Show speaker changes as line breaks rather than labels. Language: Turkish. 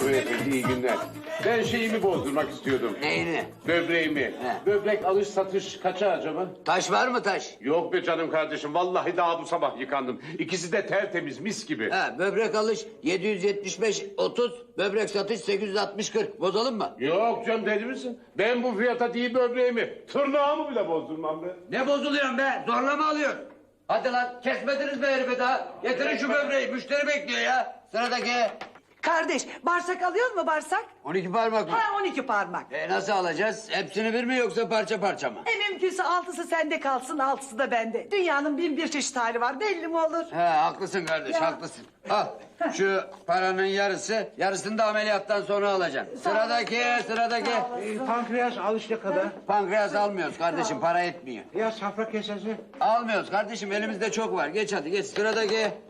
Beyefendi iyi günler. Ben şeyimi bozdurmak istiyordum.
Neyini?
Böbreğimi.
He.
Böbrek alış satış kaça acaba?
Taş var mı taş?
Yok be canım kardeşim. Vallahi daha bu sabah yıkandım. İkisi de tertemiz mis gibi.
Ha, böbrek alış 775 30, böbrek satış 860 40. Bozalım mı?
Yok canım deli misin? Ben bu fiyata değil böbreğimi. Tırnağımı bile bozdurmam be.
Ne bozuluyorsun be? Zorla mı alıyorsun? Hadi lan kesmediniz be herifi daha. Getirin şu böbreği. Müşteri bekliyor ya. Sıradaki.
Kardeş, bağırsak alıyor mu bağırsak?
12 parmak mı?
Ha 12 parmak.
Nasıl alacağız? Hepsini bir mi yoksa parça parça mı?
Mümkünse 6'sı sende kalsın, 6'sı da bende. Dünyanın bin bir çeşit hali var, belli mi olur?
He haklısın kardeş
Ya.
haklısın. Al şu paranın yarısını da ameliyattan sonra alacaksın. Sıradaki.
Pankreas alış ne kadar?
Pankreas almıyoruz kardeşim para etmiyor.
Ya safra kesesi?
Almıyoruz kardeşim elimizde çok var. Geç hadi geç sıradaki.